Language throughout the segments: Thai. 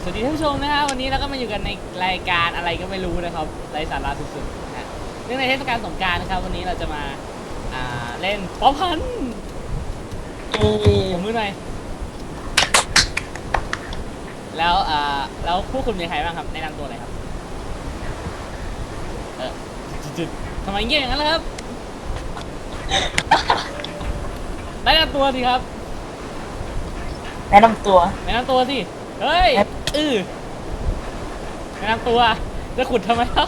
สวัสดีท่านผู้ชมนะฮะวันนี้เราก็มาอยู่กันในรายการอะไรก็ไม่รู้นะครับไร้สาระสุดๆนะฮะเนื่องในเทศกาลสงกรานต์นะครับวันนี้เราจะมาเล่นป๊อปพันผมมือหน่อยแล้วผู้คุณมีใครบ้างครับแนะนำตัวหน่อยครับจุดทำไมเงี้ยอย่างนั้นล่ะครับแนะนำตัวสิครับแนะนำตัวแนะนำตัวสิเฮ้ยแนะนำตัวจะขุดทำไมเล่า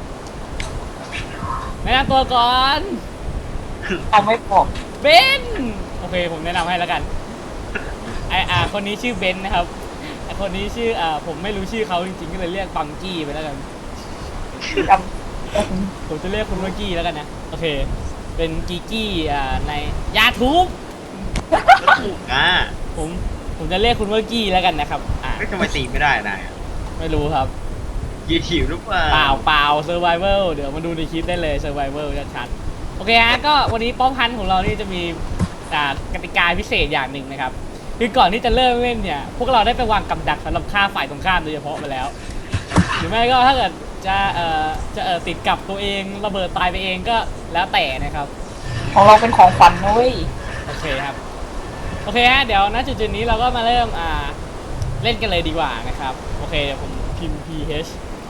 แนะนำตัวก่อนเอาไม่บอกเบนโอเคผมแนะนำให้แล้วกันคนนี้ชื่อเบนนะครับคนนี้ชื่อผมไม่รู้ชื่อเขาจริงๆก็เลยเรียกบังกี้ไปแล้วกันจผมจะเรียกคุณว่ากี้แล้วกันนะโอเคเป็นกีกี้ในยาทูบก็ถูกอ่ะผมจะเรียกคุณว่ากี้แล้วกันนะครับไม่ทำไมตีไม่ได้นายไม่รู้ครับยีถิวหรือเปล่าเปล่าเซอร์ไวเวลเดี๋ยวมาดูในคลิปได้เลยเซอร์ไวเวลชัดๆโอเคฮะก็วันนี้ป้อมพันของเรานี่จะมีกติกาพิเศษอย่างหนึ่งนะครับคือก่อนที่จะเริ่มเล่นเนี่ยพวกเราได้ไปวางกับดักสำหรับฆ่าฝ่ายตรงข้ามโดยเฉพาะไปแล้วหรือไม่ก็ถ้าเกิดจะติดกับตัวเองระเบิดตายไปเองก็แล้วแต่นะครับำของเราเป็นของขวัญนะเว้ยโอเคครับโอเคฮะเดี๋ยวณจุดนี้เราก็มาเริ่มเล่นกันเลยดีกว่านะครับโอเคเดี๋ยวผมพิมพ์ ph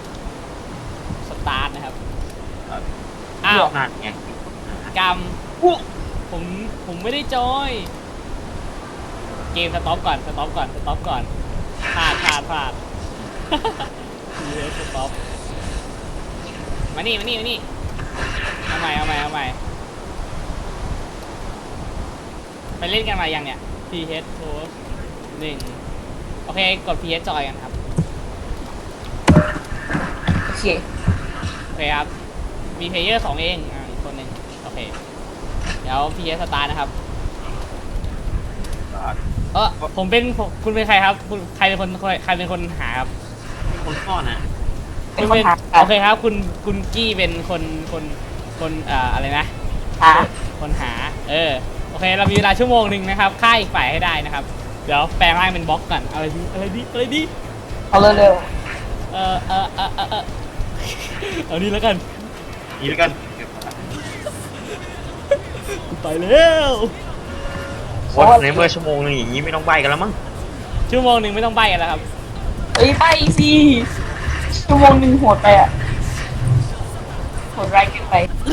start นะครับอ้าวนั่นไงกรรมผมไม่ได้จอยเกมสต็อปก่อนพลาด ph stop มานี่เอาใหม่ไปเล่นกันมายังเนี่ย ph post 1โอเคกด ph จอยกันครับโอเคโอเคครับมีเพลเยอร์2เองอีกคนหนึ่งโอเคเดี๋ยว ph start นะครับคุณเป็นใครครับใครเป็นคนหาครับคนพ่อนะเป็นคนหาโอเคครับคุณกี้เป็นคนอะไรนะหาคนหาโอเคเรามีเวลาชั่วโมงหนึ่งนะครับฆ่าอีกฝ่ายให้ได้นะครับเดี๋ยวแปลงร่างเป็นบล็อกก่อนอะไรดีเอาเร็วเอานี่แล้วกันนี่แล้วกันไปแล้ววันในเมื่อชั่วโมงนึงอย่างนี้ไม่ต้องใบกันแล้วมั้งชั่วโมงหนึ่งไม่ต้องใบกันแล้วครับเอ้ยไปสิชั่วโมงหนึ่งโหดไปอ่ะโหดร้ายเกินไป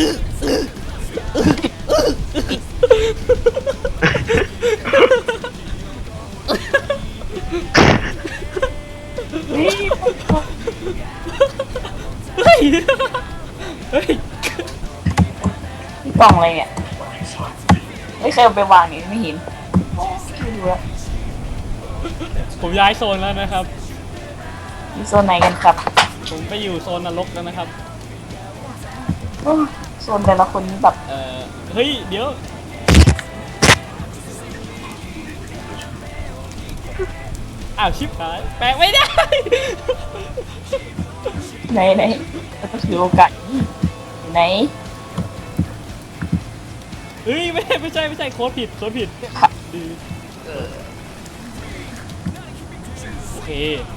เฮ้ยเฮ้ยกล่องอะไรเนี่ยไม่เคยเอาไปวางนี่ไม่เห็นไม่รู้ละผมย้ายโซนแล้วนะครับมีโซนไหนกันครับผมไปอยู่โซนนรกแล้วนะครับโอ้โซนแต่ละคนนี่แบบเฮ้ยเดี๋ยวอ้าวชิบหายแปลงไม่ได้ไหนเราต้องถือโอกาสไหนเฮ้ยไม่ใช่โค้ดผิดโอเค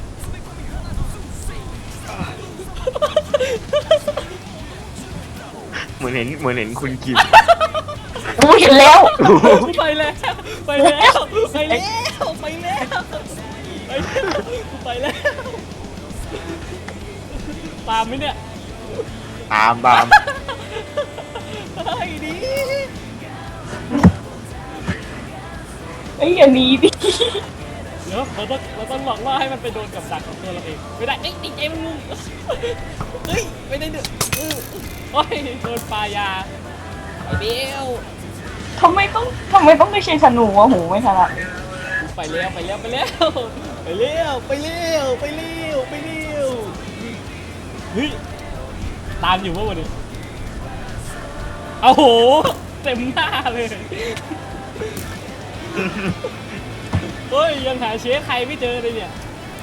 เหมือนเห็นคุณกิมกูเห็นแล้วไปแล้วตามไหมเนี่ยตามไอ้ดีไอ้ยอันนี้ดิเดี๋ยวเราต้องหลอกล่อให้มันไปโดนกับดักของตัวเราเองไม่ได้ติดใจมันงุมเฮ้ยไม่ได้เดือดโอ้ยโดนปลายาไอ้เบลทำไมต้องไม่ใช่ธนูวะหูไม่ถนัดไปเร็วเฮ้ยตามอยู่เมื่อวันนี้เอาโหเต็มหน้าเลยเฮ้ยยังหาเชฟใครไม่เจอเลยเนี่ย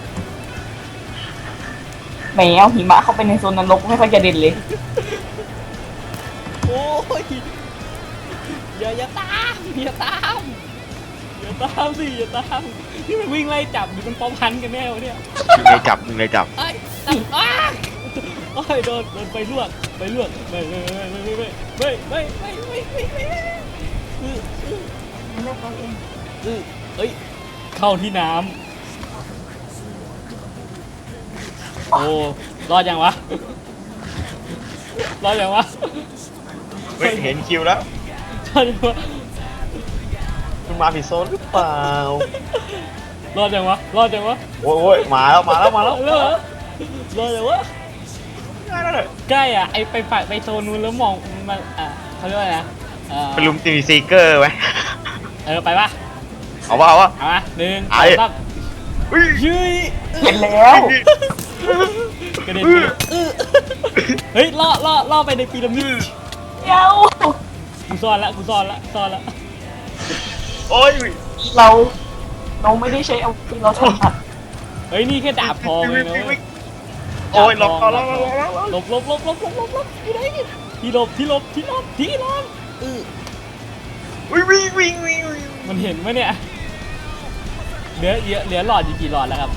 แหมเอาหิมะเข้าไปในโซนนรกไม่ค่อยจะเด่นเลยโอ้ยอย่าตามสิอย่าตามนี่มันวิ่งไล่จับหรือมันป้อมพันกันแน่วะเนี่ยมึงเลยจับมึงเลยจับไอ้จับอ้าโอ้ยโดนไปลวกไม่อือไม่ได้เขาเองเอ้ยเข้าที่น้ำโอ้รอดยังวะรอดยังวะเฮ้ยเห็นคิวแล้วรอดยังวะคุณมาผิดโซนหรือเปล่ารอดยังวะรอดยังวะโอ้ยมาแล้วมาแล้วมาแล้วรอดยังวะง่ายแล้วเลยใกล้อ่ะไอไปฝ่ายไปโซนนู้นแล้วมองมันเขาเรียกว่าอะไรนะไปลุมตีซีเกอร์ไหมไปปะเอาวะเอาวะเอามาหนึ่งสไอ้องสามอุ้ยยืยเห็นแล้วกระเด็นไปเฮ้ยล่อไปในปีระมิดเดี๋ยวกูซ่อนละโอ้ยเราไม่ได้ใช้อาวุธที่เราถนัดเฮ้ยนี่แค่ดาบทองเลยนะเว้ยโอ้ยล็อกล็อกหลบที่ไหนที่หลบวิ่งวิ่งวิ่งวิ่งมันเห็นไหมเนี่ยเหลือหลอดอยู่กี่หลอดแล้วครับ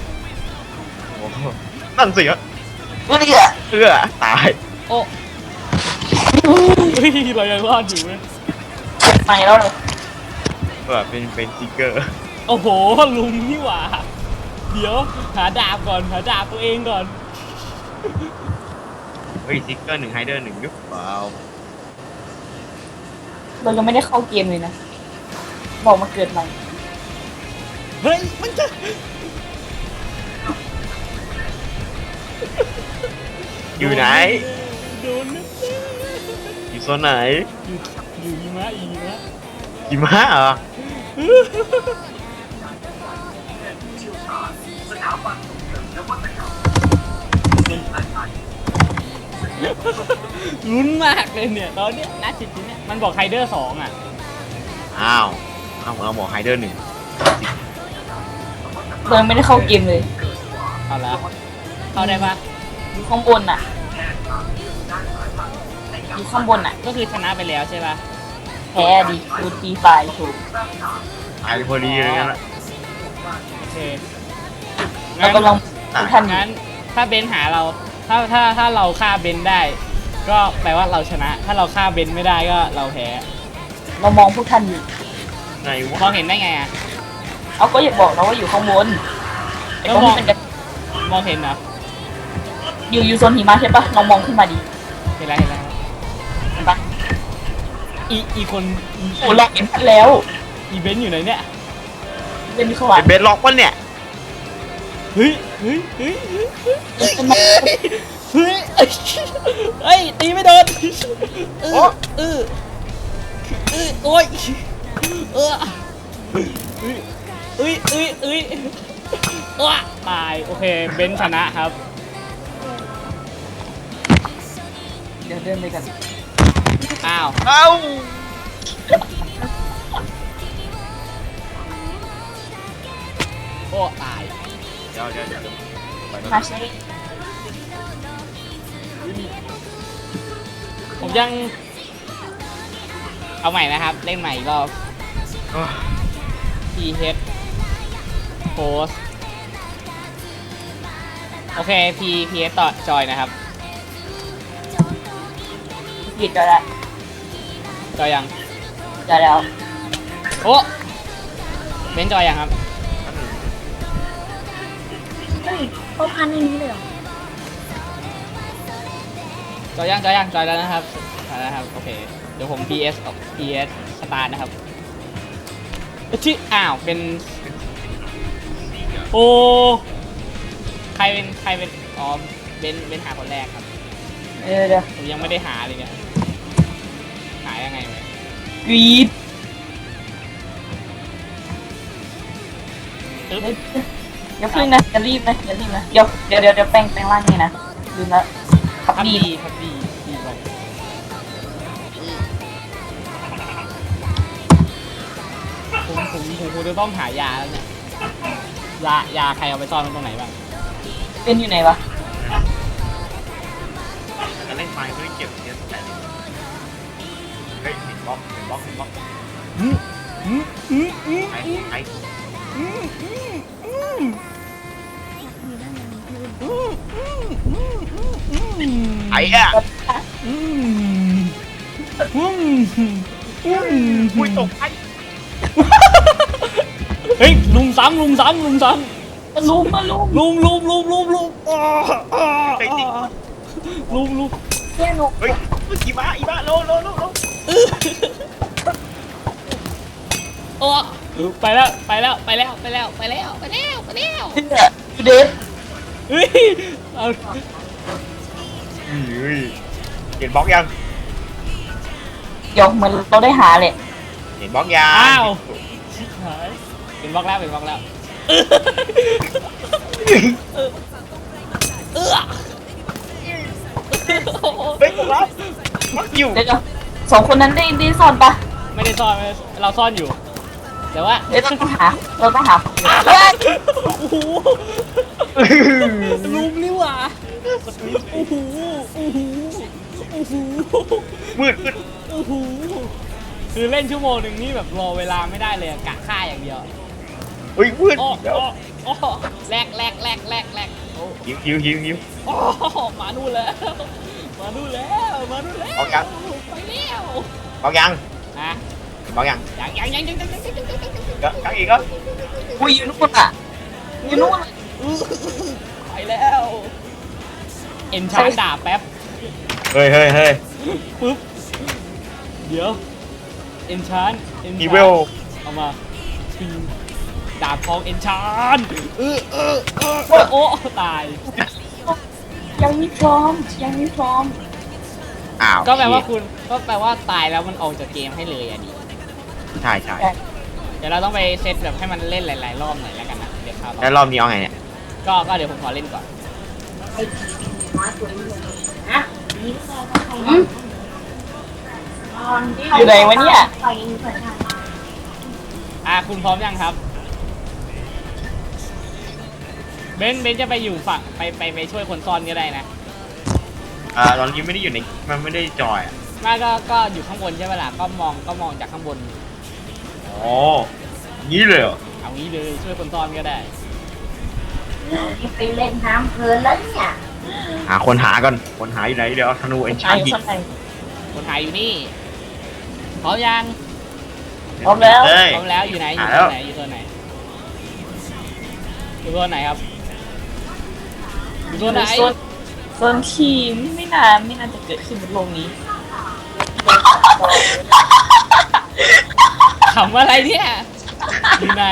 นั่นสิฮะเฮ้ยตายโอ้เฮ้ยเรายังรอดอยู่เว้ยเจ็บไหมแล้วเลยเป็นซีเกอร์โอ้โหลุงนี่หว่าเดี๋ยวหาดาบตัวเองก่อนเฮ้ยซีเกอร์1ไฮเดอร์1หรือเปล่าเรายังไม่ได้เข้าเกมเลยนะบอกมาเกิดใหม่เฮ้ยมันจะอยู่ไหนโดนนะอยู่โซนไหนอยู่หิมะหิมะเหรอลุ้นมากเลยเนี่ยตอนเนี้ยนัดจิตเนี่ยมันบอกไฮเดอร์2อ่ะอ้าวเอาหมอไฮเดอร์1 เรายังไม่ได้เข้าเกมเลยเอาละเข้าได้ปะอยู่ข้างบนน่ะอยู่ข้างบนน่ะก็คือชนะไปแล้วใช่ปะแพ้ดิดูตีไฟถูกตายพอดีเลยงั้นละโอเคเรากำลังทันอยู่งั้นถ้าเบนหาเราถ้าเราฆ่าเบนได้ ก็แปลว่าเราชนะ ถ้าเราฆ่าเบนไม่ได้ก็เราแพ้เรามองพวกท่านอยู่ไหนวะมองเห็นได้ไงอ่ะเอาก็อย่าบอกนะว่าอยู่ข้างบนไอ้ตรงที่เป็นกระมองเห็นเหรออยู่โซนหิมะใช่ปะลองมองขึ้นมาดิเห็นแล้วเห็นปะอีคนโอ้ลองเห็นท่านแล้วอีเบนอยู่ไหนเนี่ยเป็นเขาว่าเป็นเบสล็อกปะเนี่ยเฮ้ยตีไม่โดนโอ้ยตายโอเคเบนชนะครับเดี๋ยวเดินไปกันอ้าวเอ้าโอ้ตายเดี๋ยวไปโน่นมาใช้ผมยังเอาใหม่นะครับเล่นใหม่อีกรอบ PH post โอเค PH ต่อจอยนะครับหยุดแล้วจอยยังจะแล้วโอ้เบนจอยยังครับเฮ้ยเขาพันในนี้เลยเหรอจอยแล้วนะครับโอเคเดี๋ยวผม PS สตาร์ทนะครับชื่ออ้าวเป็นโอ้ใครเป็นอ๋อเป็นหาคนแรกครับเดี๋ยวผมยังไม่ได้หาเลยเนี่ยหายังไงเนี่ยกรีดตึ๊บอย่าพึ่งนะอย่ารีบนะเดี๋ยวแป้งร่างนี่นะลืมแล้วขับครับดีดีไปผมคงจะต้องหายาแล้วเนี่ยยาใครเอาไปซ่อนไว้ตรงไหนบ้างเป็นอยู่ไหนวะจะเล่นไฟไม่ได้เก็บเยอะแต่เฮ้ยเห็นบล็อกอืมไอ้ไอ้อะ อุ้ยตกไอ้เฮ้ยลุมซ้ำลุมซ้ำลุมซ้ำมาลุมมาลุมลุมลุมเนี่ยหนูเฮ้ยอีบ้าโลโอ้ไปแล้วเนี่ยดูเด็ดเฮ้ยเอาเฮ้ยเห็นบล็อกยังเดี๋ยวเหมือนเราได้หาเลยเห็นบล็อกยังอ้าวชิบหายเป็นบล็อกแล้วเป็นบล็อกแล้วเฮ้ยบล็อกอยู่เดี๋ยวสองคนนั้นได้ซ่อนปะไม่ได้ซ่อนเราซ่อนอยู่ แต่ว่าเดี๋ยวเราต้องหาเฮ้ยโอ้โหลุมนี่หว่าโอ้โหมืดโอ้โหคือเล่นชั่วโมงหนึ่งนี่แบบรอเวลาไม่ได้เลยอะกะฆ่าอย่างเดียวเฮ้ยมืดอ้อเดี๋ยวอ้อแลกโอ้หิวอ้อมานู่นแล้วมานู่นแล้วเอายังไปแล้วบล็อกยังฮะบล็อกยังยังยังอีกก็อุ้ยอยู่นู่นอ่ะอยู่นู่นไปแล้วเอ็นชาร์ดาบแป๊บเฮ้ยปึ๊บเดี๋ยวเอ็นชาร์อีเวลเอามาทิ้งดาบทองเอ็นชาร์โอ้ตายยังไม่พร้อมอ้าวก็แปลว่าตายแล้วมันออกจากเกมให้เลยอ่ะดิใช่เดี๋ยวเราต้องไปเซตแบบให้มันเล่นหลายๆรอบหน่อยแล้วกันนะเดี๋ยวครับแล้วรอบนี้เอาไงเนี่ยก็เดี๋ยวผมขอเล่นก่อนอยู่ไหนวะเนี่ยคุณพร้อมยังครับเบนจะไปอยู่ฝั่งไปช่วยคนซ่อนก็ได้นะตอนนี้ไม่ได้อยู่ในมันไม่ได้จอยอ่ะไมาก็อยู่ข้างบนใช่ไหมล่ะก็มองจากข้างบนอ๋องี้เลยเหรอเอางี้เลยช่วยคนซ่อนก็ได้ไปเล่นน้ำเพลินแล้วเนี่ยหาคนหาก่อนคนหาอยู่ไหนเดี๋ยวเอาธนูเอ็นชาร์ยิงข้างในคนหายอยู่นี่พร้อมยังพร้อมแล้วเฮ้ยพร้อมแล้วอยู่ไหนอยู่หาโซแล้วนไหนอยู่โซนไหนอยู่โซนไหนครับอยู่โซนไหนโซนขี้ไม่น่าจะเกิดขึ้นบนโลกนี้ขำอะไรเนี่ยอยู่ไหน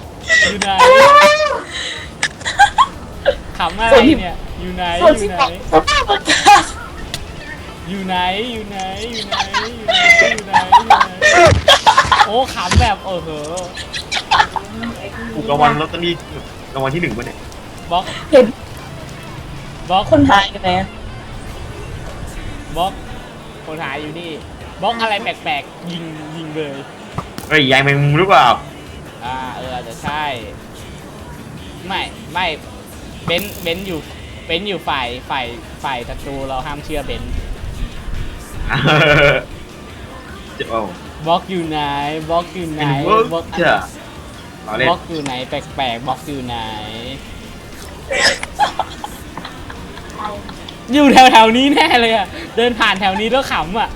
ขำอะไรเนี่ยอยู่ไหนโซนที่บอกสภาพอากาศอยู่ไหนโอ้ขำแบบโอ้โหถูกรางวัลลอตเตอรี่รางวัลที่1ป่ะเนี่ยบล็อกเห็นบล็อกคนหายกันไหนบล็อกคนหายอยู่นี่บล็อกอะไรแปลกๆยิงเลยเฮ้ยยายแมงมุมหรือเปล่าอาจจะใช่ไม่เบนอยู่ฝ่ายศัตรูเราห้ามเชื่อเบนจะเอาบล็อกอยู่ไหนบล็อกอยู่ไหนเป็นเวิร์กบล็อกจ้ะเราเล่นบล็อกอยู่ไหนแปลกๆบล็อกอยู่ไหน อยู่แถวนี้แน่เลยอ่ะเดินผ่านแถวนี้แล้วขำอ่ะ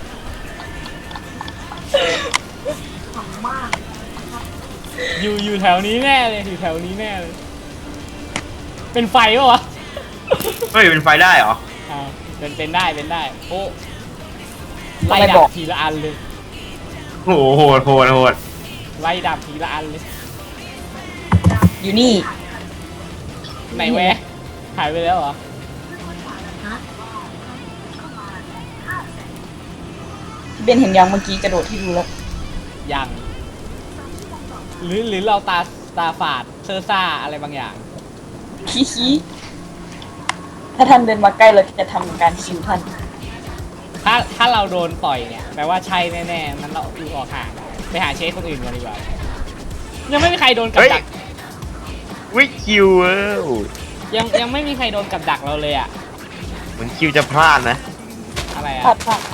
ขำมากอยู่แถวนี้แน่เลยอยู่แถวนี้แน่เลยเป็นไฟปะวะเฮ้ยเป็นไฟได้เหรอเป็นได้โอ้ไล่ดับทีละอันเลยโอ้โหโหดไล่ดับทีละอันเลยอยู่นี่ไหนแวะหายไปแล้วเหรอเบนเห็นยังเมื่อกี้กระโดดที่ดูแล้วยังหรือเราตาฝาดเซอร์ซ่าอะไรบางอย่างขี้ถ้าท่านเดินมาใกล้เราจะทำการคิวท่านถ้าเราโดนต่อยเนี่ยแปลว่าใช่แน่ๆนั้นเราอยู่ออกห่างไปหาเชฟคนอื่นกันดีกว่ายังไม่มีใครโดนกับดักวิคิวยังไม่มีใครโดนกับดักเราเลยอะเหมือนคิวจะพลาดนะอะไรอะพลาดพลาด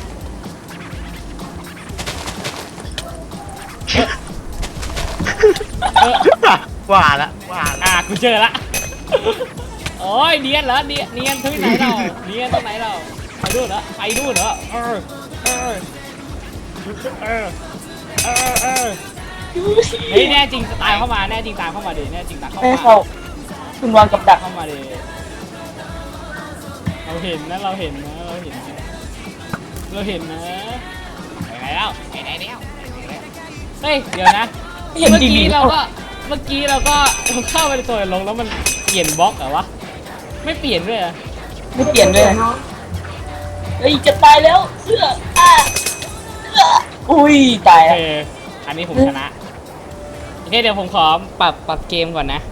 ว่าละกูเจอละโอ้ยเนียนเหรอเนียนที่ไหนเราเนียนตรงไหนเราไปดูเหรอเฮ้ยแน่จริงตายเข้ามาแน่จริงตามเข้ามาดิแน่จริงตามเข้าไม่มาเข้าคุณวางกับดักเข้ามาดิเราเห็นนะเราเห็นนะไปไหนแล้วเฮ้ยเดี๋ยวนะเห็นเมื่อดีกี้ๆเราก็เข้าไปในตัวลงแล้วมันเปลี่ยนบล็อกเหรอวะไม่เปลี่ยนด้วยเหรอไม่เปลี่ยนเลยเฮ้ยจะตายแล้วเสื้ออุ้ยตายโอแล้วเคอันนี้ผมชนะโอเคเดี๋ยวผมขอปรับเกมก่อนนะ